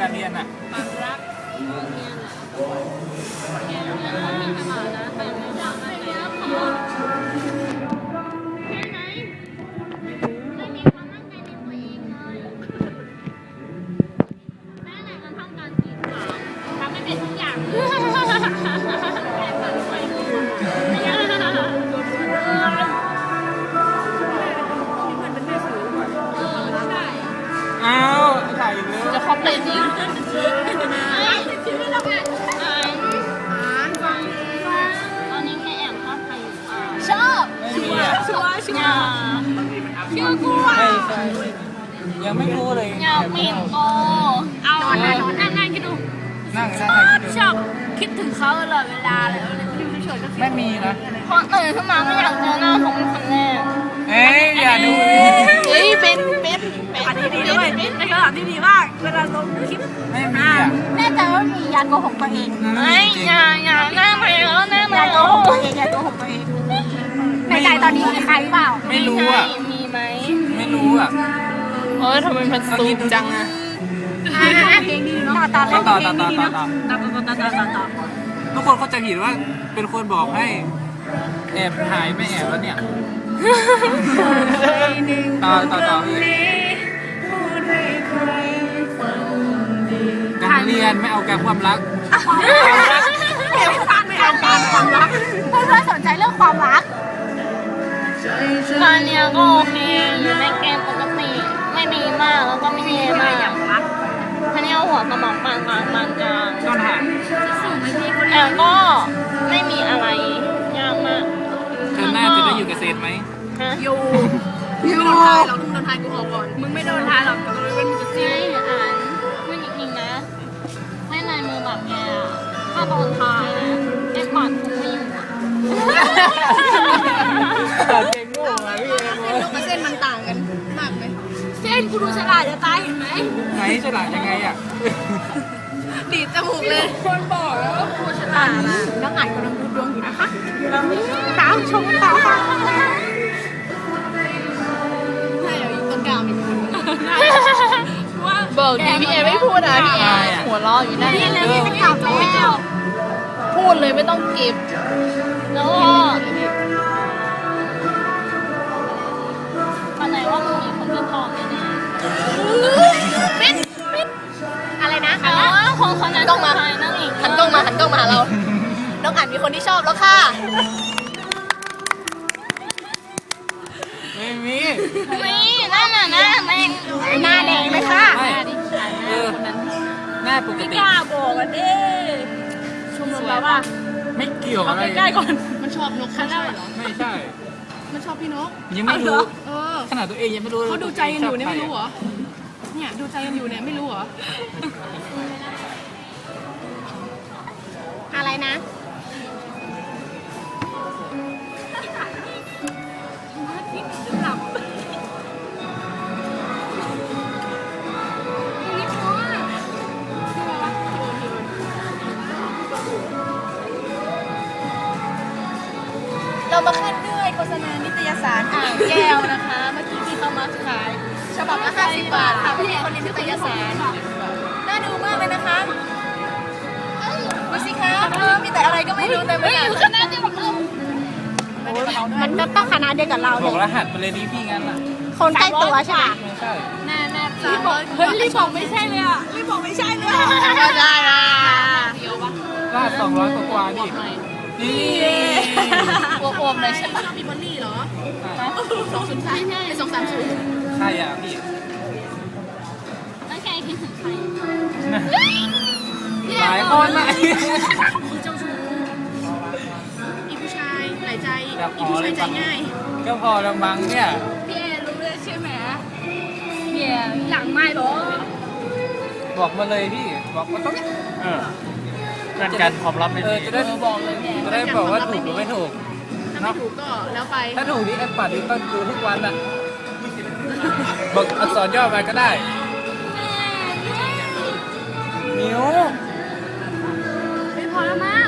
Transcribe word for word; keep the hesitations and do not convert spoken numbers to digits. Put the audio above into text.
การเรียนอ่ะความรักแกเรียนเรามีตลอดนะแต่ไม่อยากไปเรียนพอแค่ไหนไม่มีความมั่นใจในตัวเองเลยแม่ไหนมันทำการกีดขวางทำไม่เป็นทุกอย่างเลยแค่ฝันไปดูไม่ยากอ้าวถ่ายอีกแล้วจะคอมเพลนจริงชีวิตเราอ่านอ่านอ่านฟังฟังตอนนี้แค่แอบชอบใครอยู่อ่ะชอบไม่มีอ่ะชัวร์ชัวร์ชื่อกูอ่ะไม่ใช่ยังไม่รู้เลยอยากมีโตเอานั่งนั่งนั่งคิดดูนั่งชนั่งอบคิดดูชอบคิดถึงเขาตลอดเวลาเลยอยู่เฉยๆก็คิดไม่มีนะพอตื่นขึ้นมาไม่อยากเจอหน้าเขาเป็นคนแรกเอ้ยอย่าดูเฮ้ยเป็นเป็นเป็นอันนี้ดีด้วยเป็นเป็นคำตอบที่ดีมากเวลาลงคลิปไม่มีอ่ะแน่ใจว่ามียาโกหกตัวเองไม่อย่าอย่าหน้าไปแล้วหน้าไปยาแล้โกวหกตัวเองยาโกหกตัวเองในใจตอนนี้มีใครหรือเปล่าไม่รู้อ่ะมีไหมไม่รู้อ่ะเออทำไมมันสูงจังอะเพลงดีเนาะตาต่ตาอเล่นต่อเพลต่อง ต่อดีต่อเนาะต่อตาตาตาตาตาตาทุกคนเขาจะผิดว่าเป็นคนบอกให้แอบถ่ายไม่แอบแล้วเนี่ยต่อต่อต่อพี่การเรียนไม่เอาการความรักเดี๋ยวฟังไม่เอาการความรักเพื่อนๆสนใจเรื่องความรักตอนเนี้ยก็โอเคอยู่ในเกมปกติไม่ดีมากแล้วก็ไม่แย่มากท่านี้หัวสมองปานกลางปานกลางต้นหางแต่ก็ไม่มีอะไรยากมากเธอหน้าจะได้อยู่กับเซนไหมฮะอยู่อยู่โดนทายเราโดนทายกูออกก่อนมึงไม่โดนทายหรอกแต่เราเป็นมึงจะซีใช่อ่านพูดจริงๆนะเล่นลายมือแบบแกอะถ้าโดนทายนะแกปัดทุกไม่อยู่อะเก่งโง่อ่ะพี่เอ็มเส้นนกกับเส้นมันต่างกันมากเลยเส้นกูดูฉลาดจะตายเห็นไหมไหนฉลาดยังไงอ่ะดีดจมูกเลยคนบอกแล้วว่ากูฉลาดนะน้องอ่านกำลังดูดวงอยู่นะคะตามชมต่อค่ะใช่เดี๋ยวอีกต้นกาวมีคนว่าบอกดีพี่เอไม่พูดนะพี่เอหัวเราะอยู่นั่นพี่เลยพี่จะกลับแล้วพูดเลยไม่ต้องเก็บแล้วก็อันไหนว่ามึงมีคนที่ทองแน่ๆปิดปิดอะไรนะแต่ว่าคนคนนั้นต้องมานั่งอีกหันกล้องมาหันกล้องมาหาเราน้องอ่านมีคนที่ชอบแล้วค่ะไม่มีนี่นั่นน่ะหน้าแดงหน้าแดงเลยค่ะไม่เออหน้าปกติกล้าบอกกันดิชมรมเราว่าไม่เกี่ยวอะไรใกล้ๆก่อนมันชอบนกเขาใช่เหรอไม่ใช่มันชอบพี่นกยังไม่รู้เออขนาดตัวเองยังไม่รู้เขาดูใจกันอยู่เนี่ยไม่รู้เหรอเนี่ยดูใจกันอยู่เนี่ยไม่รู้เหรออะไรนะเรามาขึ้นด้วยโฆษณานิตยสารอ่างแก้วนะคะ เมื่อกี้ที่เขามาขายฉบับละห้าสิบบาทค่ะพี่คนนี้นิตยสารน่าดูมากเลยนะคะดูสิคะเออมีแต่อะไรก็ไม่รู้แต่ไม่รู้คณะเดียวกับเรามันก็ต้องคณะเดียวกับเราบเลอกยรหัสไปเลยดิพี่งั้นอ่ะคนใกล้ตัวใช่ไหมไม่ใช่แน่แน่รีบบอกเฮ้ยรีบบอกไม่ใช่เลยอ่ะรีบบอกไม่ใช่เลยได้อ่ะเดียวปะรหัสสองร้อยกว่าๆดินี่อ้วมๆเลยใช่ปะชอบมีบอลลี่เหรอสองศูนย์สามเป็นสองสามศูนย์ใช่อ่ะพี่แล้วแกคิดถึงใครหลายคนอ่ะคือเจ้าชู้อีผู้ชายหลายใจอยากขอีอผู้เลชาย ยใจง่ายก็พอละมั้งเนี่ยพี่เอรู้เลยใช่ไหมพี่เอหลังไม่หรอบอกมาเลยพี่ บอกมาต้องเออนั่นการความลับไม่เอดีอจะได้บอกเลยแกจะได้บอกว่าถูกหรือไม่ถูกถ้าไม่ถูกก็แล้วไปถ้าถูกนี่แอปปัดนี่ต้องดูทุกวันอ่ะบอกอักษรย่อมาก็ได้มิวไม่พอแล้วมั้ง